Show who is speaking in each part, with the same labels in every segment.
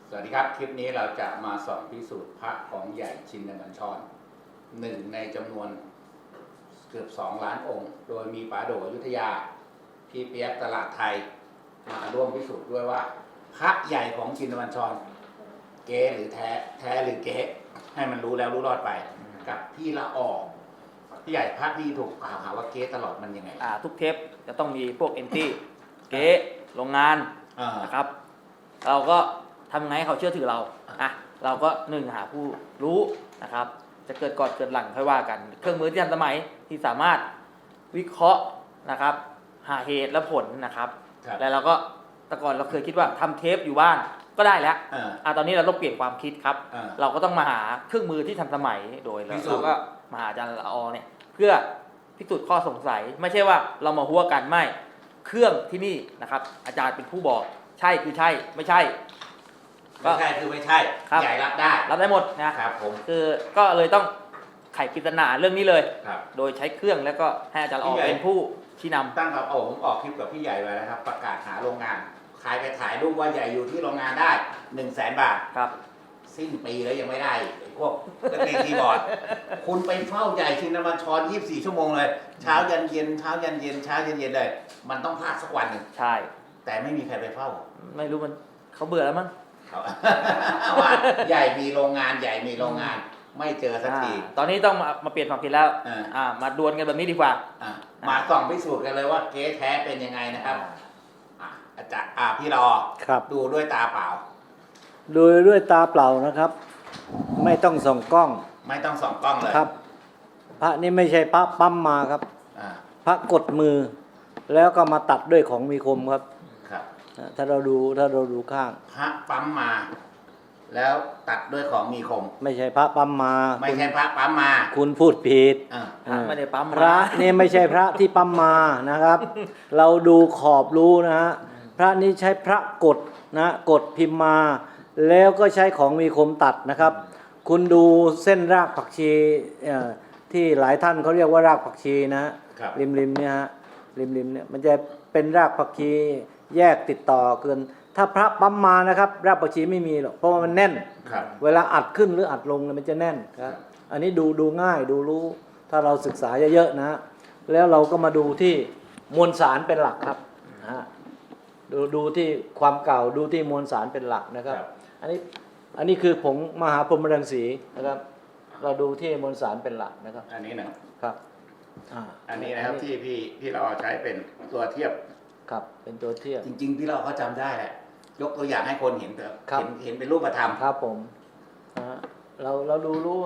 Speaker 1: สวัสดีครับคลิปนี้เราจะมาสอนพิสูจน์พระของใหญ่ชินบัญชรหนึ่งในจำนวนเกือบ2 ล้านองค์ โดยมีป๋าโดอยุธยาพี่เปียกตลาดไทยมาร่วมพิสูจน์ด้วยว่าพระใหญ่ของชินบัญชรเก๊หรือแท้หรือเก๊ให้มันรู้แล้วรู้รอดไปกับพี่ละออกพี่ใหญ่พระที่ถูกกล่าวหาว่าเก๊ตลอดมันยังไง
Speaker 2: ทุกเทปจะต้องมีพวกเอนตี้เก๊โรงงานนะครับเราก็ทำไงให้เขาเชื่อถือเราเราก็หาผู้รู้นะครับจะเกิดก่อนเกิดหลังค่อยว่ากันเครื่องมือที่ทันสมัยที่สามารถวิเคราะห์นะครับหาเหตุและผลนะครับแล้วเราก็แต่ก่อนเราเคยคิดว่าทำเทปอยู่บ้านก็ได้แล้วตอนนี้เราต้องเปลี่ยนความคิดครับเราก็ต้องมาหาเครื่องมือที่ทันสมัยโดยเราก็มาหาอาจารย์ละอเนี่ยเพื่อพิสูจน์ข้อสงสัยไม่ใช่ว่าเรามาหัวกันไม่เครื่องที่นี่นะครับอาจารย์เป็นผู้บอกใช่คือใช่ไม่ใช่
Speaker 1: ไม่ใช่คือไม่ใช่ใหญ่รับได้
Speaker 2: หมดนะครับผมคือก็เลยต้องไขปริศนาเรื่องนี้เลยโดยใช้เครื่องแล้วก็ให้อาจารย์ละอเป็นผู้ชี้นำ
Speaker 1: ตั้งแต่ผมออกคลิปกับพี่ใหญ่ไว้นะครับประกาศหาโรงงานขายไปถ่ายรูปว่าใหญ่อยู่ที่โรงงานได้100,000 บาท
Speaker 2: ครับ
Speaker 1: สิ้นปีแล้วยังไม่ได้พวกนักเรียนคีย์บอร์ดคุณไปเฝ้าใหญ่ชินบัญชร24 ชั่วโมงเลยเช้ายันเย็นเช้ายันเย็นเช้ายันเย็นเลยมันต้องพลาดสักวันหนึ่ง
Speaker 2: ใช่
Speaker 1: แต่ไม่มีใครไปเฝ้า
Speaker 2: ไม่รู้มันเขาเบื่อแล้วมั้ง
Speaker 1: ว่าใหญ่มีโรงงานใหญ่มีโรงงานไม่เจอสักที
Speaker 2: ตอนนี้ต้องมาเปลี่ยนความคิดแล้วมาดวลกันแบบนี้ดีกว่า
Speaker 1: มาส่องพิสูจน์กันเลยว่าเก๊แท้เป็นยังไงนะครับอาจารย์พี่รอดูด้วยตาเปล่า
Speaker 3: ดูด้วยตาเปล่านะครับไม่ต้องส่องกล้อง
Speaker 1: ไม่ต้องส่องกล้องเลย
Speaker 3: ครับพระนี่ไม่ใช่พระปั๊มมาครับพระกดมือแล้วก็มาตัดด้วยของมีคมครับถ้าเราดูข้าง
Speaker 1: พระปั๊มมาแล้วตัดด้วยของมีคม
Speaker 3: ไม่ใช่พระปั๊มมา
Speaker 1: ไม่ใช่พระปั๊มมา
Speaker 3: คุณพูดผิด
Speaker 2: ไม่ได้ปั๊ม
Speaker 3: พระนี่ไม่ใช่พระที่ปั๊มมานะครับ เราดูขอบรู้นะฮะพระนี้ใช้พระกดนะกดพิมพ์มาแล้วก็ใช้ของมีคมตัดนะครับคุณดูเส้นรากผักชีที่หลายท่านเขาเรียกว่ารากผักชีนะริมเนี่ยฮะริมเนี่ยมันจะเป็นรากผักชีแยกติดต่อเกินถ้าพระปั๊มมานะครับรากผักชีไม่มีหรอกเพราะว่ามันแน่นเวลาอัดขึ้นหรืออัดลงมันจะแน่นครับอันนี้ดูง่ายดูรู้ถ้าเราศึกษาเยอะๆนะแล้วเราก็มาดูที่มวลสารเป็นหลักครับดูที่ความเก่าดูที่มวลสารเป็นหลักนะครับอันนี้คือผงมหาพรหมรังสีนะครับเราดูที่มวลสารเป็นหลักนะครับ
Speaker 1: อันนี้นะครับอันนี้นะครับที่พี่เราใช้เป็นตัวเทียบ
Speaker 3: ครับเป็นตัวเทียบ
Speaker 1: จริงๆพี่เราก็จำได้แหละยกตัวอย่างให้คนเห็นเถอะเห็นเป็นรูปธรรม
Speaker 3: ครับผมเราดูรู้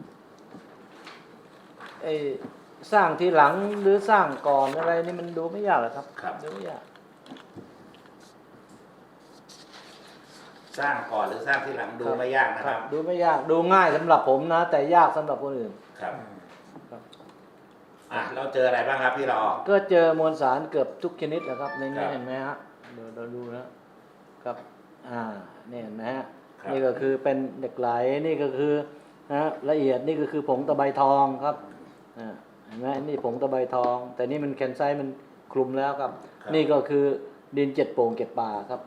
Speaker 3: สร้างทีหลังหรือสร้างก่อนอะไรนี่มันดูไม่ยากหรอกครับดูไม่ยาก
Speaker 1: สร้างก่อนหรือสร้างที่หลังดูไม่ยากนะครับ
Speaker 3: ดูไม่ยากดูง่ายสำหรับผมนะแต่ยากสำหรับคนอื่น
Speaker 1: ครับเราเจออะไรบ้างครับพี่รอ
Speaker 3: ก็เจอมวลสารเกือบทุกชนิดนะครับในนี้เห็นไหมฮะเราดูนะครับนี่เห็นไหมฮะนี่ก็คือเป็นเหล็กไหลนี่ก็คือละเอียดนี่ก็คือผงตะไบทองครับเห็นไหมนี่ผงตะไบทองแต่นี่มันแคนไซต์มันคลุมแล้วครับนี่ก็คือดิน7 โป่ง7 ป่าครับ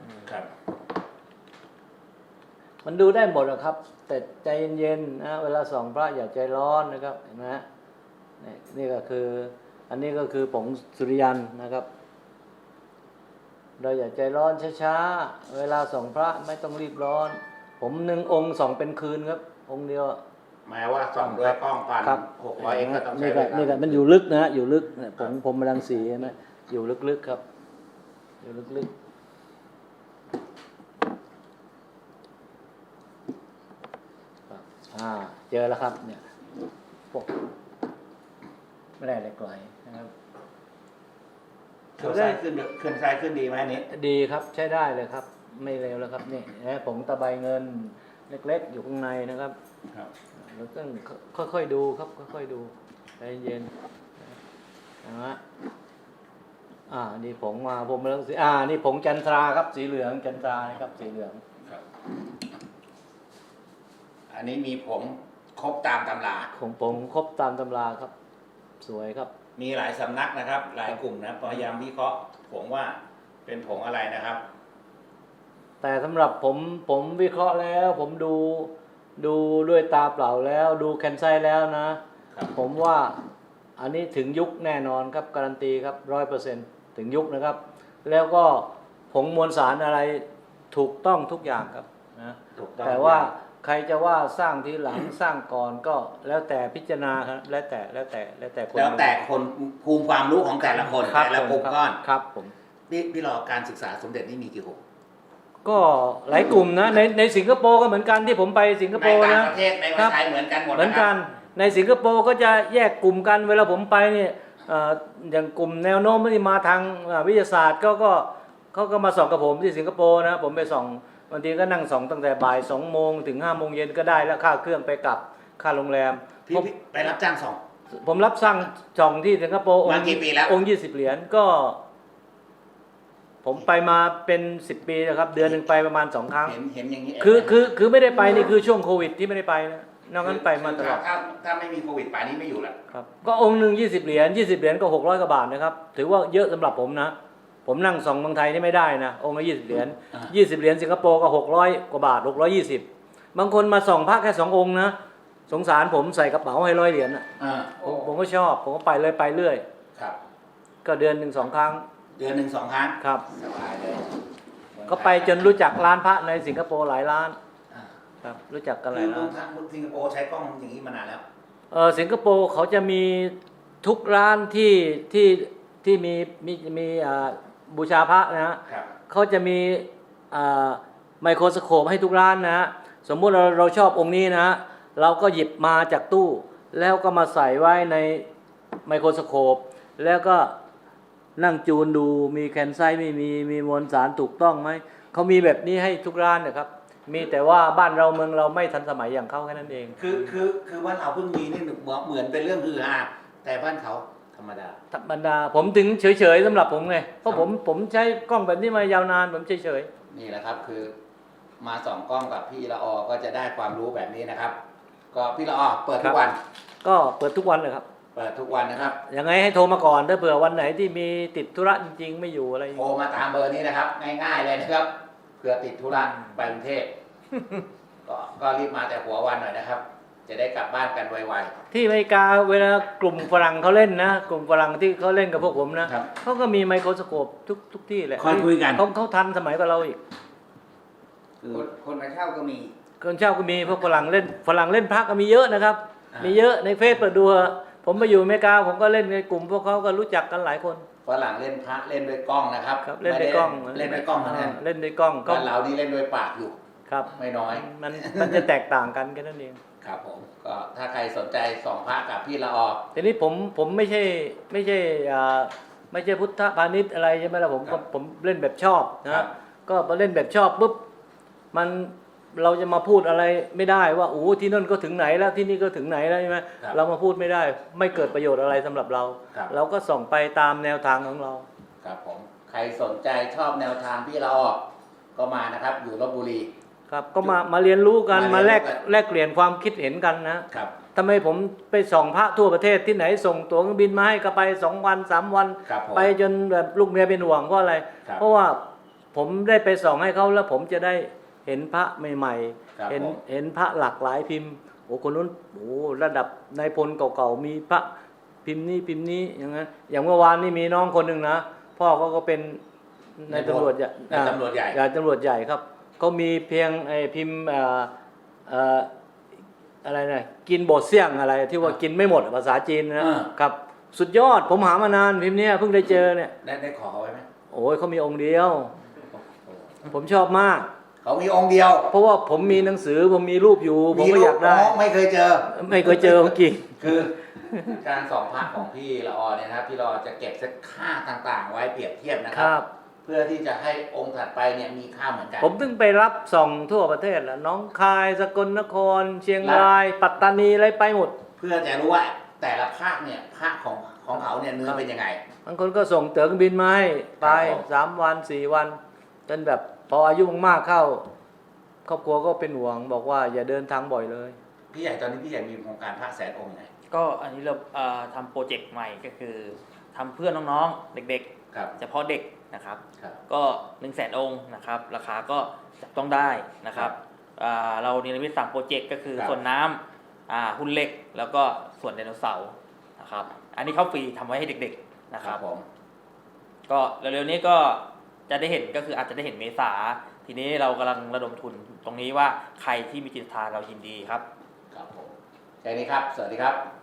Speaker 3: มันดูได้หมดนะครับแต่ใจเย็นๆนะเวลาส่องพระอย่าใจร้อนนะครับเห็นไหมนี่ก็คืออันนี้ก็คือผงสุริยันนะครับเราอย่าใจร้อนช้าๆเวลาส่องพระไม่ต้องรีบร้อนผม1 องค์ส่องเป็นคืนครับองค์เดียว
Speaker 1: หมายว่าส่องด้วยกล้องพัน600 เองก็ต้องใช้
Speaker 3: นี่ก็มันอยู่ลึกนะอยู่ลึกผมรังสีใช่ไหมอยู่ลึกๆครับอยู่ลึกๆเจอแล้วครับเนี่ยพวกไม่ได้เหล็กไหลนะครับ
Speaker 1: เคลื่อนซ้ายขึ้นดีไหมนี้
Speaker 3: ดีครับใช้ได้เลยครับไม่เร็วแล้วครับนี่ผงตะไบเงินเล็กๆอยู่ข้างในนะครับเราต้องค่อยๆดูครับค่อยๆดูใจเย็นนะฮะนี่ผงมาผมเรื่องสีนี่ผงจันทราครับสีเหลืองจันทราครับสีเหลือง
Speaker 1: อันนี้มีผงครบตามตำรา
Speaker 3: ของผงครบตามตำราครับสวยครับ
Speaker 1: มีหลายสำนักนะครับหลายกลุ่มนะพยายามวิเคราะห์ผงว่าเป็นผงอะไรนะครับ
Speaker 3: แต่สำหรับผมวิเคราะห์แล้ว ผมดูด้วยตาเปล่าแล้วดูแคนไซแล้วนะ ผมว่าอันนี้ถึงยุคแน่นอนครับการันตีครับ100%ถึงยุคนะครับ แล้วก็ผงมวลสารอะไรถูกต้องทุกอย่างครับนะ
Speaker 1: ถูกต้อง
Speaker 3: แต่ว่าใครจะว่าสร้างทีหลัง สร้างก่อนก็แล้วแต่พิจารณาครับแล้วแต่คน
Speaker 1: แล้วแต่คนภูมิความรู้ของแต่ละคน
Speaker 3: ครับ
Speaker 1: แต่ละกลุ่มก้อน
Speaker 3: ครับผม
Speaker 1: พี่รอการศึกษาสมเด็จนี่มีกี่กลุ่ม
Speaker 3: ก็หลายกลุ่มนะในสิงคโปร์ก็เหมือนกันที่ผมไปสิงค
Speaker 1: ใน
Speaker 3: โปร์
Speaker 1: ต่าง
Speaker 3: นะ
Speaker 1: ประเทศในประเทศไทยเหมือนกันหมด
Speaker 3: เหมือน
Speaker 1: นะค
Speaker 3: กั
Speaker 1: รับ
Speaker 3: นในสิงคโปร์ก็จะแยกกลุ่มกันเวลาผมไปเนี่ยอย่างกลุ่มแนวโน้มที่มาทางวิทยาศาสตร์เขาก็มาส่องกับผมที่สิงคโปร์นะผมไปส่องบางทีก็นั่งส่องตั้งแต่บ่าย2 โมงถึง5 โมงเย็นก็ได้แล้วค่าเครื่องไปกลับค่าโรงแรม
Speaker 1: พี่ไปรับจ้างส่อง
Speaker 3: ผมรับสั่งส่องที่สิงคโปร์
Speaker 1: มากี่ปีแล้ว
Speaker 3: องค์20 เหรียญก็ ผมไปมาเป็น10 ปีนะครับเดือนหนึ่งไปประมาณ2 ครั้ง
Speaker 1: เห็นอย่างนี้
Speaker 3: คือไม่ได้ไปนี่คือช่วงโควิดที่ไม่ได้ไปนะนอกนั้นไปมาตลอด
Speaker 1: ถ้าไม่มีโควิดป่านนี้ไม่อยู่แล้ว
Speaker 3: ครับก็องค์หนึ่ง20 เหรียญ20 เหรียญก็600 กว่าบาทนะครับถือว่าเยอะสำหรับผมนะผมนั่งส่องเมืองไทยนี่ไม่ได้นะองค์ละ20 เหรียญ20 เหรียญสิงคโปร์ก็600 กว่าบาท620บางคนมาส่องพระแค่2 องค์นะสงสารผมใส่กระเป๋าให้100 เหรียญนะ ผมก็ชอบผมก็ไปเรื่อย
Speaker 1: ครับ
Speaker 3: ก็เดือนหนึ่ง2 ครั้ง
Speaker 1: เดือนหนึ่ง2 ครั้ง
Speaker 3: ครับ
Speaker 1: สบายเลย
Speaker 3: ก็ไปจนรู้จักร้านพระในสิงคโปร์หลายร้าน
Speaker 1: อ่า
Speaker 3: ครับรู้จักกันห
Speaker 1: คื
Speaker 3: ลา
Speaker 1: อย
Speaker 3: ร้าน
Speaker 1: สิงคโปร์ใช้กล้องอย่างนี้มานานแล้ว
Speaker 3: สิงคโปร์เขาจะมีทุกร้านที่มีบูชาพระนะฮะ
Speaker 1: ครับ
Speaker 3: เขาจะมีไมโครสโคปให้ทุกร้านนะฮะสมมุติเราชอบองค์นี้นะฮะเราก็หยิบมาจากตู้ แล้วก็มาใส่ไว้ในไมโครสโคปแล้วก็นั่งจูนดูมีแคนไซต์ไม่มีมวลสารถูกต้องไหมเขามีแบบนี้ให้ทุกร้านนะครับมีแต่ว่าบ้านเราเมืองเราไม่ทันสมัยอย่างเขาแค่นั้นเอง
Speaker 1: คือบ้านเราเพิ่งมีนี่เหมือนเป็นเรื่องฮือฮาแต่บ้านเขาธรรมดา
Speaker 3: ธรรมดาผมถึงเฉยๆสำหรับผมไงเพราะผมใช้กล้องแบบนี้มายาวนานผมเฉย
Speaker 1: นี่แหละครับคือมาส่องกล้องกับพี่ละออก็จะได้ความรู้แบบนี้นะครับ ก็พี่ละออเปิดทุกวัน
Speaker 3: ๆก็เปิดทุกวันเลยครับ
Speaker 1: เปิดทุกวันนะครับ
Speaker 3: ยังไงให้โทรมาก่อนถ้าเผื่อวันไหนที่มีติดธุระจริงๆไม่อยู่อะไร
Speaker 1: โทรมาตามเบอร์นี้นะครับ ง่ายๆเลยนะครับเผื่อติดธุระไปกรุงเทพ ก็รีบมาแต่หัววันหน่อยนะครับ จะได้กลับบ้านกันไว
Speaker 3: ที่อเมริกาเวลากลุ่มฝรั่งเขาเล่นนะกลุ่มฝรั่งที่เขาเล่นกับพวกผมนะครับ เขาก็มีไมโครสโคปทุกที่แหละ
Speaker 1: ค่อยคุยกัน
Speaker 3: เขาทันสมัยกว่าเราอีก
Speaker 1: คนมาเช่าก็มี
Speaker 3: คนเช่าก็มีพวกฝรั่งเล่นพระก็มีเยอะนะครับ มีเยอะในเฟซเปิดดูเถอะผมไปอยู่อเมริกาผมก็เล่นในกลุ่มพวกเขาก็รู้จักกันหลายคน
Speaker 1: ฝรั่งเล่นพระเล่นด้วยกล้องนะครับ
Speaker 3: ครับเล่นด้วยกล้อง
Speaker 1: เล่นด้วยกล้องเท่านั้น
Speaker 3: เล่นด้วยกล้อง
Speaker 1: บ้านเรานี่เล่นด้วยปากอยู่
Speaker 3: ครับ
Speaker 1: ไม่น้อย
Speaker 3: มันจะแตกต่างกันแค่นั้นเอง
Speaker 1: ครับผมก็ถ้าใครสนใจส่องพระกับพี่ละออ
Speaker 3: ทีนี้ผมไม่ใช่พุทธพาณิชย์อะไรใช่ไหมล่ะผมเล่นแบบชอบนะก็พอเล่นแบบชอบปุ๊บเราจะมาพูดอะไรไม่ได้ว่าโอ้ที่นั่นก็ถึงไหนแล้วที่นี่ก็ถึงไหนแล้วใช่ไหมเรามาพูดไม่ได้ไม่เกิดประโยชน์อะไรสำหรับเรา เราก็ส่องไปตามแนวทางของเรา
Speaker 1: ครับผมใครสนใจชอบแนวทางพี่ละออก็มานะครับอยู่ลพบุรี
Speaker 3: ครับก็มาเรียนรู้กัน
Speaker 1: มา
Speaker 3: มา
Speaker 1: เรี
Speaker 3: แล
Speaker 1: ย
Speaker 3: ก
Speaker 1: นรู้กัน
Speaker 3: แลกเปลี่ยนความคิดเห็นกันนะครับ ทำไมผมไปส่องพระทั่วประเทศที่ไหนส่งตั๋วเครื่องบินมาให้ก็ไป2 วัน 3 วัน
Speaker 1: ครับผม
Speaker 3: ไปจนแบบลูกเมียเป็นห่วงเพราะอะไร
Speaker 1: ครับ
Speaker 3: เพราะว่าผมได้ไปส่องให้เขาแล้วผมจะได้เห็นพระใหม่
Speaker 1: ครับ
Speaker 3: ๆเห็น
Speaker 1: ผม
Speaker 3: เห็นพระหลากหลายพิมพ์โอ้คนนู้นโอ้ระดับนายพลเก่าๆมีพระพิมพ์นี้อย่างนั้นอย่างเมื่อวานนี่มีน้องคนหนึ่งนะพ่อเขาก็เป็นนายตำรวจใหญ่
Speaker 1: นายตำรวจใหญ่
Speaker 3: ตำรวจใหญ่ครับเขามีเพียงไอ้พิมพ์อะไรนะกินบดเสี่ยงอะไรที่ว่ากินไม่หมดภาษาจีนนะครับสุดยอดผมหามานานพิมพ์เนี้ยเพิ่งได้เจอเนี่ย
Speaker 1: ได้ขอเขาไว้ไหม
Speaker 3: โอ้ยเขามีองค์เดียว ผมชอบมาก
Speaker 1: เขามีองค์เดียว
Speaker 3: เพราะว่าผมมีหนังสือผมมีรูปอยู่ผมก็อยากได้
Speaker 1: ไม่เคยเจอ
Speaker 3: ไม่เคยเจอของจริง
Speaker 1: คือการส่องพระของพี่ละออเนี่ยนะครับพี่ละออจะเก็บเซตค่าต่างๆ ไว้เปรียบเทียบนะค
Speaker 3: ค
Speaker 1: รั
Speaker 3: รับ
Speaker 1: เพื่อที่จะให้องค์ถัดไปเนี่ยมีค่าเหมือนกัน
Speaker 3: ผมถึงไปรับส่องทั่วประเทศแหละน้องคายสกลนคร เชียงราย ปัตตานีอะไรไปหมด
Speaker 1: เพื่อจะรู้ว่าแต่ละภาคเนี่ยภาคของเขาเนี่ยเนื้อเป็นยังไง
Speaker 3: บางคนก็ส่งตั๋วเครื่องบินมาให้ไป
Speaker 1: ครับผม
Speaker 3: 3 วัน 4 วันจนแบบพออายุมากๆเข้าครอบครัวก็เป็นห่วงบอกว่าอย่าเดินทางบ่อยเลย
Speaker 1: พี่ใหญ่ตอนนี้พี่ใหญ่มีโครงการพระแสนองค์ไหน
Speaker 2: ก็อันนี้เราทำโปรเจกต์ใหม่ก็คือทำเพื่อน้องๆเด็ก
Speaker 1: ครับ
Speaker 2: ๆเฉพาะเด็กนะครับ
Speaker 1: ครับ
Speaker 2: ก็100,000 องค์นะครับราคาก็จับต้องได้นะครับเราเนรมิต3โปรเจกต์ก็คือ
Speaker 1: ครับ
Speaker 2: ส่วนน้ำหุ่นเหล็กแล้วก็ส่วนไดโนเสาร์นะครับอันนี้เข้าฟรีทำไว้ให้เด็กๆนะครับ
Speaker 1: ผม
Speaker 2: ก็เร็วๆนี้ก็จะได้เห็นก็คืออาจจะได้เห็นเมษาทีนี้เรากำลังระดมทุนตรงนี้ว่าใครที่มีจิตศรัทธาเรายินดีครับ
Speaker 1: ครับผมแค่นี้ครับ สวัสดีครับ